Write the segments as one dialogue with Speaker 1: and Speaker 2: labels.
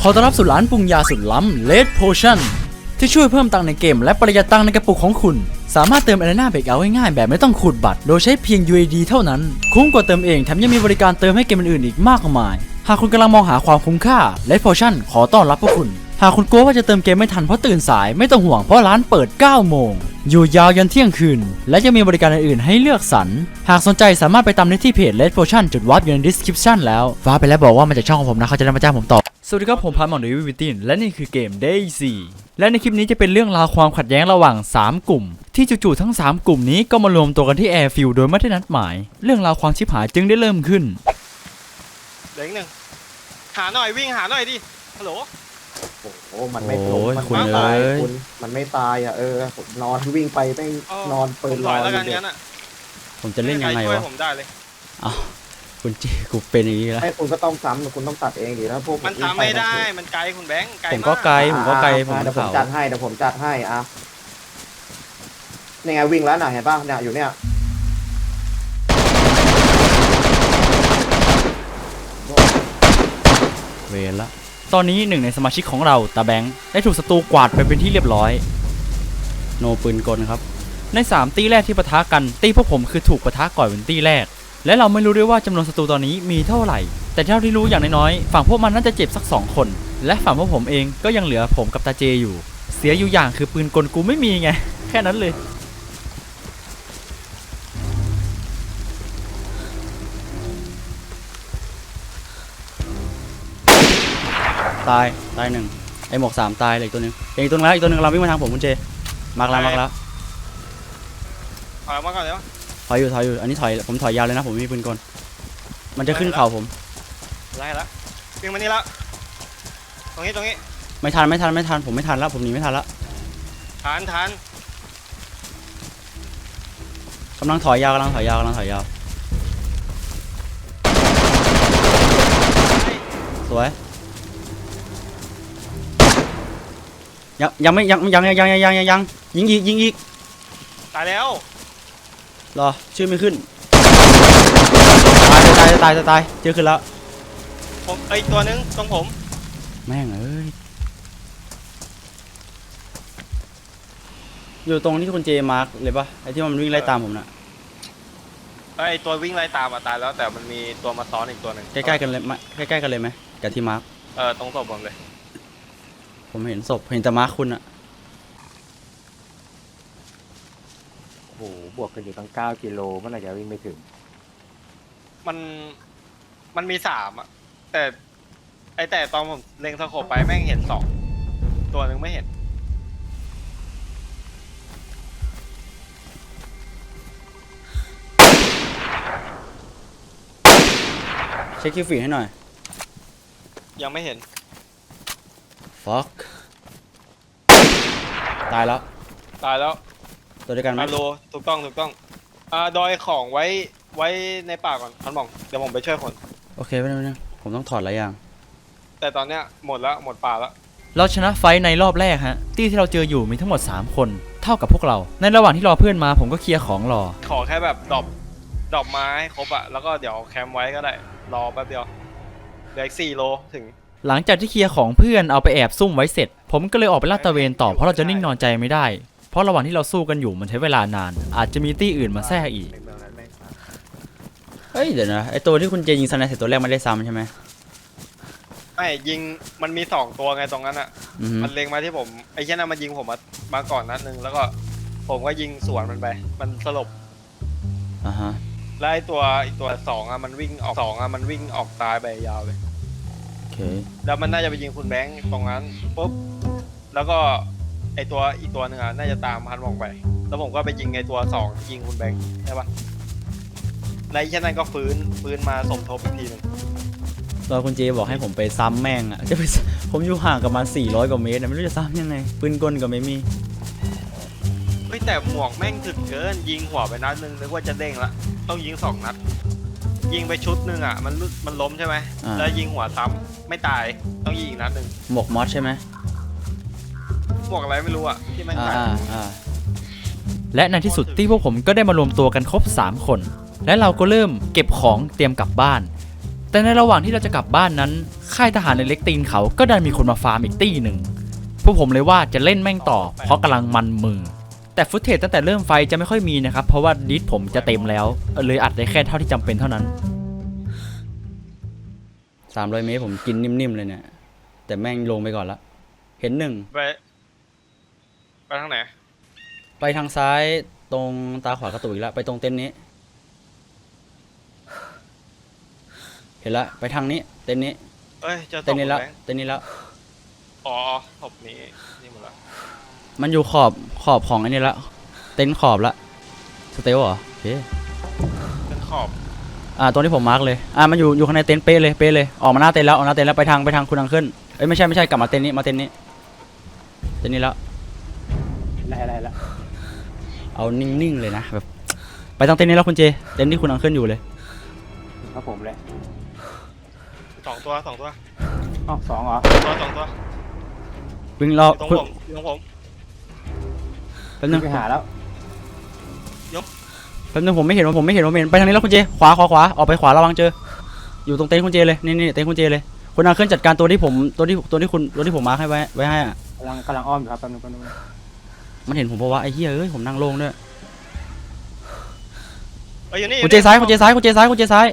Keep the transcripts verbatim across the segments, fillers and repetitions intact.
Speaker 1: อต้อนรับสู่ร้านปรุงยาสุดล้ำ Red Potion ที่ช่วยเพิ่มตังค์ในเกมและประหยัดตังค์ในกระปุกของคุณสามารถเติม Arena Breakout ง่ายๆแบบไม่ต้องขูดบัตรโดยใช้เพียง ยู เอ ดี เท่านั้นคุ้มกว่าเติมเองแถมยังมีบริการเติมให้เกมอื่นๆอีกมากมายหากคุณกำลังมองหาความคุ้มค่า Red Potion ขอต้อนรับพวกคุณหากคุณกลัวว่าจะเติมเกมไม่ทันเพราะตื่นสายไม่ต้องห่วงเพราะร้านเปิดเก้าโมงอยู่ยาวยันเที่ยงคืนและยังมีบริการอื่นๆให้เลือกสรรหากสนใจสามารถไปตามได้ที่เพจ Red Potion จุดวาร์ปอยู่ใน description แล้วฟ้าไปแล้วบอกว่ามาจากช่องของผมนะเขาจะได้มาจ้างผมต่อสวัสดีครับผมพาร์มอนเดวิวิตินและนี่คือเกม Daisy และในคลิปนี้จะเป็นเรื่องราวความขัดแย้งระหว่างสามกลุ่มที่จู่ๆทั้งสามกลุ่มนี้ก็มารวมตัวกันที่แอร์ฟิลด์โดยไม่ได้นัดหมายเรื่องราวความชิบหายจึงได้เริ่มขึ้น
Speaker 2: เด็กหนึ่งหาหน่อยวิ่งหาหน่อยดิฮัลโหล
Speaker 3: โอ้โหมันไม่ลงมันไม่ตายคุณมันไม่ตายอ่ะเออนอนวิ่งไปแม่งนอนเปิดรอย
Speaker 2: แล้วกันงั้นอ่ะ
Speaker 1: ผมจะเล่นยังไงวะ
Speaker 2: ผมได้เลย
Speaker 1: อ้าวคุณจีกูเป็นอย่างนี้แล้ว
Speaker 3: ไอ้คุณก็ต้องซ้ำคุณต้องตัดเองดิแล้วพวก
Speaker 2: มันทำไม่ได้มันไกลคุณแบงค์ไกล
Speaker 1: ผมก็ไกลผมก็ไกลผม
Speaker 3: เดี๋ยวผมจัดให้เดี๋ยวผมจัดให้อ่ะนี่ไงวิ่งแล้วน่ะเห็นป่ะเนี่ยอยู่เนี่ย
Speaker 1: เวรละตอนนี้หนึ่งในสมาชิกของเราตาแบงค์ได้ถูกศัตรูกวาดไปเป็นที่เรียบร้อยโนปืนกลครับในสามตีแรกที่ปะทะกันตีพวกผมคือถูกปะทะก่อนเป็นตีแรกและเราไม่รู้ด้วยว่าจำนวนศัตรูตอนนี้มีเท่าไหร่แต่เท่าที่รู้อย่างน้อยๆฝั่งพวกมันน่าจะเจ็บสักสองคนและฝั่งพวกผมเองก็ยังเหลือผมกับตาเจอยู่เสียอยู่อย่างคือปืนกลกูไม่มีไงแค่นั้นเลยตายตายหนึ่งไอหมวกสามตายเลยอีกตัวนึงอีกตัวนึงแล้วอีกตัวนึงเราวิ่งมาทางผมคุณเจมากแล้วมากแล้ว
Speaker 2: ถอยมาก่อนเดี๋ยว
Speaker 1: ถอยอยู่ถอยอยู่อันนี้ถอยผมถอยยาวเลยนะผมมีปืนกลมันจะขึ้นเข่าผม
Speaker 2: ไล่แล้ววิ่งมานี่แล้วตรงนี้ตรงนี้
Speaker 1: ไม่ทันไม่ทันไม่ทันผมไม่ทันแล้วผมหนีไม่ทันแล้ว
Speaker 2: ทันทัน
Speaker 1: กำลังถอยยาวกำลังถอยยาวกำลังถอยยาวสวยยังยังไม่ยังยังยังยังยังยังยังยิงอีกยิงอีก
Speaker 2: ตายแล้ว
Speaker 1: รอชื่อไม่ขึ้นตายตายตายตายตายเจอขึ้นแล้ว
Speaker 2: ผมไอตัวนึงตรงผม
Speaker 1: แม่งเอ้ยอยู่ตรงที่คุณเจมาร์กเลยปะไอที่มันวิ่งไล่ตามผมน่ะ
Speaker 2: ไอตัววิ่งไล่ตามมาตายแล้วแต่มันมีตัวมาซ้อนอีกตัวหนึ่ง
Speaker 1: ใกล้ๆกันเลยใกล้ๆกันเลยไหมกับที่มาร์ก
Speaker 2: เออตรงศพผมเลย
Speaker 1: ผมเห็นศพเห็นแต่มาร์คคุณอะ
Speaker 3: โอ้โหบวกกันอยู่ตั้งเก้ากิโลเมื่อไหร่จะวิ่งไปถึง
Speaker 2: มันมันมีสามอะแต่ไอแต่ตอนผมเล็งสโคปไปแม่งเห็นสองตัวหนึ่งไม่เห็น
Speaker 1: เช็คคิวฟีให้หน่อย
Speaker 2: ยังไม่เห็น
Speaker 1: fuck ตายแล้ว
Speaker 2: ตายแล้ว
Speaker 1: ตัวเดียวกันไหม
Speaker 2: ฮัลโหลถูกต้องถูกต้องอ่าดอยของไว้ไว้ในป่าก่อนท่านบอกเดี๋ยวผมไปช่วยคน
Speaker 1: โอเคไม่เป็นไรผมต้องถอดหลายอย่าง
Speaker 2: แต่ตอนเนี้ยหมดแล้วหมดป่าแล้ว
Speaker 1: เราชนะไฟในรอบแรกฮะที่ที่เราเจออยู่มีทั้งหมดสามคนเท่ากับพวกเราในระหว่างที่รอเพื่อนมาผมก็เคลียร์ของรอ
Speaker 2: ขอแค่แบบดรอปดรอปไม้ครบอะแล้วก็เดี๋ยวแคมป์ไว้ก็ได้รอแป๊บเดียวเหลืออีกสี่โลถึง
Speaker 1: หลังจากที่เคลียร์ของเพื่อนเอาไปแอบซุ่มไว้เสร็จผมก็เลยออกไปลาดตระเวนต่อเพราะเราจะนิ่งนอนใจไม่ได้เพราะระหว่างที่เราสู้กันอยู่มันใช้เวลานานอาจจะมีตี้อื่นมาแทรกอีกเฮ้ยเดี๋ยวนะไอตัวที่คุณเจยิงสไนเสร็จตัวแรกไม่ได้ซ้ำใช่ไหม
Speaker 2: ไม่ยิงมันมีสองตัวไงตรงนั้นอ่ะมันเล็งมาที่ผมไอ้เช่นนั้นมันยิงผมมามาก่อนนัดนึงแล้วก็ผมก็ยิงสวนมันไปมันสลบ
Speaker 1: อ่าฮะ
Speaker 2: แล้วไอ้ตัวอีกตัวสองอ่ะมันวิ่งออกสองอ่ะมันวิ่งออกตายไปยาวเลย
Speaker 1: โอเค
Speaker 2: แล้วมันน่าจะไปยิงคุณแบงค์ตรงนั้นปุ๊บแล้วก็ไอตัวอีกตัวหนึ่งอ่ะน่าจะตามพันมองไปแล้วผมก็ไปยิงไอตัวสองยิงคุณแบงค์ใช่ปะในเช่นนั้นก็ฟื้นฟื้นมาสมทบอีกทีหนึ่ง
Speaker 1: ตอนคุณเจบอกให้ผมไปซ้ำแม่งอ่ะจะไปผมอยู่ห่างกับมันสี่ร้อยกว่าเมตรนะไม่รู้จะซ้ำยังไงปืนกลก็ไม่มี
Speaker 2: เฮ้ยแต่หมวกแม่งถึกเกินยิงหัวไปนัดนึงนึกว่าจะเด้งละต้องยิงสองนัดยิงไปชุดหนึ่งอ่ะมันมันล้มใช่ไหมแล้วยิงหัวซ้ำไม่ตายต้องยิงอีกนัดหนึ่ง
Speaker 1: หมวกมอสใช่ไหม
Speaker 2: หมวกอะไรไม่รู้อ่ะที่มัน
Speaker 1: ตายและในที่สุดที่พวกผมก็ได้มารวมตัวกันครบสามคนและเราก็เริ่มเก็บของเตรียมกลับบ้านแต่ในระหว่างที่เราจะกลับบ้านนั้นค่ายทหารในเล็กตีนเขาก็ได้มีคนมาฟาร์มอีกตี้หนึ่งพวกผมเลยว่าจะเล่นแม่งต่อเพราะกำลังมันมือแต่ฟุตเทจตั้งแต่เริ่มไฟจะไม่ค่อยมีนะครับเพราะว่าดิสผมจะเต็มแล้วเลยอัดได้แค่เท่าที่จำเป็นเท่านั้นสามร้อยเมตรผมกินนิ่มๆเลยเนี่ยแต่แม่งลงไปก่อนละเห็นหนึ่ง
Speaker 2: ไปไปทางไหน
Speaker 1: ไปทางซ้ายตรงตาขวากระตุกอีกแล้วไปตรงเต็นท์นี้เห็นละไปทางนี้เต็นท์นี้
Speaker 2: เอ้ยเจอศ
Speaker 1: เต็น
Speaker 2: พ
Speaker 1: ท์
Speaker 2: คุ
Speaker 1: นี้
Speaker 2: ณ
Speaker 1: แล้ว
Speaker 2: แบงค์
Speaker 1: เต็นท์นี้แล้ว
Speaker 2: อ๋อศพนี้นี่หมดละ
Speaker 1: มันอยู่ขอบขอบของไอ้นี่ละเต็นท์ขอบละสเตลเหรอโอเค
Speaker 2: เป็นขอบ
Speaker 1: อ่าตรงที่ผมมาร์กเลยอ่ามันอยู่อยู่ข้างในเต็นท์เป๊ะเลยเป๊ะเลยออกมาหน้าเต็นท์แล้วออกหน้าเต็นท์แล้วไปทางไปทางคุณอังขึ้นเอ้ยไม่ใช่ไม่ใช่กลับมาเต็นท์นี้มาเต็นท์นี้เต็นท์นี้แล้ว
Speaker 3: อะไรอะไรละ
Speaker 1: เอานิ่งๆเลยนะแบบไปทางเต็นท์นี้แล้วคุณเจเต็นท์ที่คุณอังขึ้นอยู่เลย
Speaker 3: ครับผมเลย
Speaker 2: สองตัวสองตัว
Speaker 3: อ๋อสองเหรอ
Speaker 2: ตัวสองตัว
Speaker 1: วิ่งรอ
Speaker 2: อยู่ตรง
Speaker 1: คุณ
Speaker 2: ผมอยู่ตรงผม
Speaker 1: แป๊บนึง
Speaker 3: ไปหาแล้ว
Speaker 1: แป๊บนึงผมไม่เห็นว่าผมไม่เห็นว่าไม่เห็นไปทางนี้แล้วคุณเจขวาขวาขวาออกไปขวาระวังเจออยู่ตรงเต็นท์คุณเจเลยนี่นี่เต็นท์คุณเจเลยคุณอังขึ้นจัดการตัวที่ผมตัวที่ตัวที่คุณตัวที่ผมมาร์คให้ไว้ไว้ให้อะ
Speaker 3: กำลังกำลังอ้อมอยู่ครับแป๊บนึงแป๊บนึง
Speaker 1: มันเห็นผมเพราะว่าไอ้เหี้ยเอ้ยผมนั่งโล่งด้วย
Speaker 2: เอ้ยอยู่นี่
Speaker 1: คุณเจซ้ายคุณเจซ้ายคุณเจซ้ายคุณเจซ้าย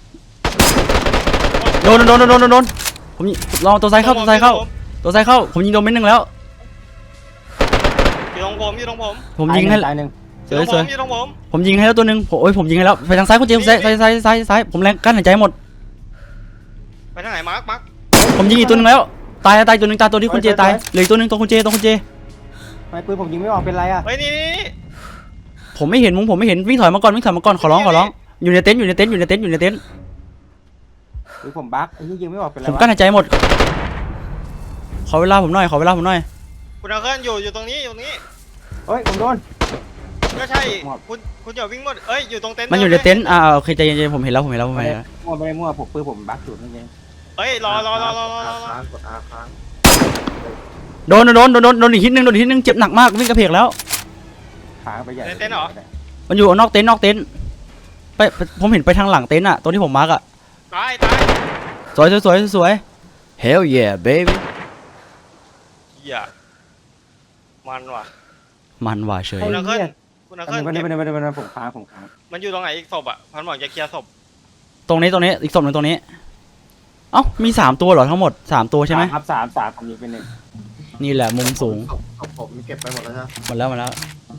Speaker 1: โดนโดนโดนโดนโดนโดนผมยิงลองตัวซ้ายเข้าตัวซ้ายเข้าตัวซ้ายเข้าผมยิงโดนเม็ดหนึ่งแล้ว
Speaker 2: อยู่ตรงผมอยู่ตรงผม
Speaker 1: ผมยิงให้
Speaker 3: ตายหนึ่ง
Speaker 1: ส
Speaker 2: อยู่
Speaker 1: วย
Speaker 2: ตรง
Speaker 1: ส
Speaker 2: ผ
Speaker 1: วย
Speaker 2: มอยู่ตรงผม
Speaker 1: ผมยิงให้แล้วตัวหนึ่งผมโอ้ยผมยิงให้แล้วไปทางซ้ายคุณเจซ้ายซ้ายซ้ายซ้ายซ้ายผมแรงกั้นหายใจหมด
Speaker 2: ไปทางไหนมาร์คมาร์ค
Speaker 1: ผมยิงอีกตัวหนึงแล้วตายตายตัวหนึงตายตัวที่คุณเจตายเหลืออีกตัวหนึงตัวคุณเจตัวคุณเจ
Speaker 3: ทำไมปืนผมยิงไม่ออกเป็นไรอ่ะ
Speaker 2: เฮ้ยนี่นี่นี่
Speaker 1: ผมไม่เห็นมุงผมไม่เห็นวิ่งถอยมาก่อนวิ่งถอยมาก่อนขอร้องขอร้องอยู่ในเต็นท์อยู่ในเต็นท์อยู่ในเต็นท์อยู่ในเต็นท์
Speaker 3: ปืนผมบั๊กไอ้ที่ยิงไม่ออกเป็นไร
Speaker 1: ผม
Speaker 3: วะ
Speaker 1: กั้นหายใจหมดขอเวลาผมหน่อยขอเวลาผมหน่อย
Speaker 2: คุณเอาเคลื่อนอยู่อยู่ตรงนี้อยู่ตรงนี้
Speaker 3: เฮ้ยผมโดน
Speaker 2: ก็ใช่คุณคุณอย่าวิ่งหมดเอ้ยอยู่ตรงเต็นท์
Speaker 1: มันอยู่ในเต็นท์อ่าโอเคใจเย็นๆผมเห็นแล้วผมเห็นแล้วผมเห็นแล้ว
Speaker 3: มั่วไม่ได้มั่วผมปืนผมบั๊กอยู่นั่นเอง
Speaker 2: เฮ้ยรอรอรอรอรอรอ
Speaker 3: ค้างกดอาค้าง
Speaker 1: โดนโดนโดนโดนโดนอีกทีนึงโดนอีกทีนึงเจ็บหนักมากวิ่งกระเพกแล้ว
Speaker 3: ค้างไปใหญ่
Speaker 2: ในเต็นท์เหรอ
Speaker 1: มันอยู่นอกเต็นท์นอกเต็นท์ไปไปผมเห็นไปทางหลังเต็นท์อะตัวที่ผมมาร์กอะ
Speaker 2: ตายตาย
Speaker 1: สวยสวยสวยสวย Hell yeah baby
Speaker 2: เหี้ยมันว่ะ
Speaker 1: มันว่าเฉย
Speaker 2: คุณเอาเคลื่อนคุณเอา
Speaker 3: แป๊
Speaker 2: เค
Speaker 3: บ
Speaker 2: ลื่อน
Speaker 3: นึงแป๊บ
Speaker 2: เก็บ
Speaker 3: นึงแป๊บนึงแป๊บนึงผมค้างผมค้าง
Speaker 2: มันอยู่ตรงไหนอีกศพอ่ะพันหมอกจะเคลียร์ศพ
Speaker 1: ตรงนี้ตรงนี้อีกศพหนึ่งตรงนี้เอ้ามีสามตัวเหรอทั้งหมดสามตัวใช่ไหม
Speaker 3: ครับสามสามผมยิงเป็นหนึ่ง
Speaker 1: นี่แหละมุมสูง
Speaker 3: ผมเก็บไปหมดแล้วนะ
Speaker 1: หมดแล้วหมดแล้ว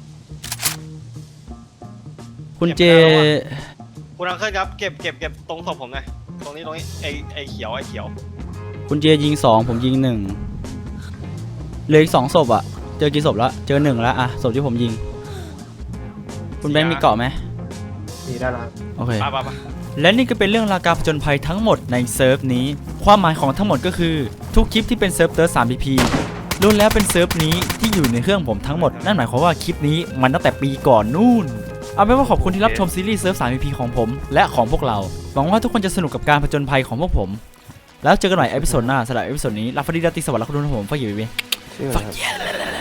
Speaker 1: คุณเจ
Speaker 2: คุณเอาเคลื่อนครับเก็บเก็บเก็บตรงศพผมหน่อยตรงนี้ตรงนี้ไอไอเขียวไอเขียว
Speaker 1: คุณเจยิงสองผมยิงหนึ่งเหลืออีกสองศพอะเจอกี่ศพแล้วเจอหนึ่งแล้วอะศพที่ผมยิง คุณแบงค์มีเกาะไหม
Speaker 3: มีได้แล้ว
Speaker 1: โอเค
Speaker 2: ไปไปไป
Speaker 1: และนี่ก็เป็นเรื่องราวการผจญภัยทั้งหมดในเซิร์ฟนี้ ความหมายของทั้งหมดก็คือทุกคลิปที่เป็นเซิร์ฟเตอร์ ทรี พี พีล้วนแล้วเป็นเซิร์ฟนี้ที่อยู่ในเครื่องผมทั้งหมดนั่นหมายความว่าคลิปนี้มันตั้งแต่ปีก่อนนู่นเอาเป็นว่าขอบคุณที่รับชมซีรีส์เซิร์ฟ ทรี พี พี ของผมและของพวกเราหวังว่าทุกคนจะสนุกกับการผจญภัยของพวกผมแล้วเจอกันใหม่เอพิโซดหน้าสำหรับเอพิโซดนี้ลาฟาดีดาติสวัสดิ์และคุณผู้ชมผมฝากอยู่ไว้
Speaker 3: ชื่ออะไรครับ